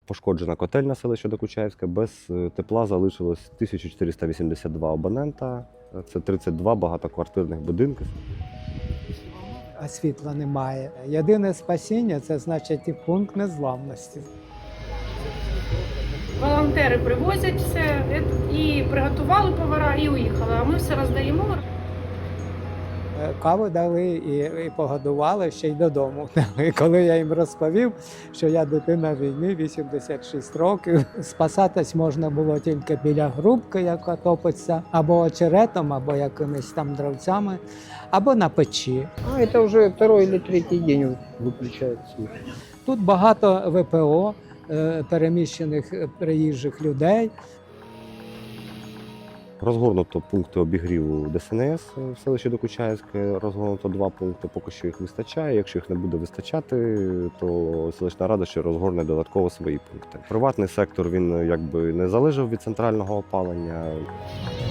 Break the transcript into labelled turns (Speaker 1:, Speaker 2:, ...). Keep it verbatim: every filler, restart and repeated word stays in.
Speaker 1: Пошкоджена котельня селища Докучаївське. Без тепла залишилось тисяча чотириста вісімдесят два абонента. Це тридцять два багатоквартирних будинки.
Speaker 2: А світла немає. Єдине спасіння – це, значить, і пункт незламності.
Speaker 3: Волонтери привозять все і приготували повара, і уїхали. А ми все роздаємо.
Speaker 2: Каву дали і, і погодували, ще й додому. І коли я їм розповів, що я дитина війни, вісімдесят шість років, спасатись можна було тільки біля грубки, яка топиться, або очеретом, або якимись там дровцями, або на печі.
Speaker 4: А это уже второй или третий день выключают свет.
Speaker 2: Тут багато вэ пе о, е, переміщених е, приїжджих людей.
Speaker 1: Розгорнуто пункти обігріву Де Ес En Ес в селищі Докучаївське. Розгорнуто два пункти, поки що їх вистачає. Якщо їх не буде вистачати, то селищна рада ще розгорне додатково свої пункти. Приватний сектор, він якби не залежав від центрального опалення.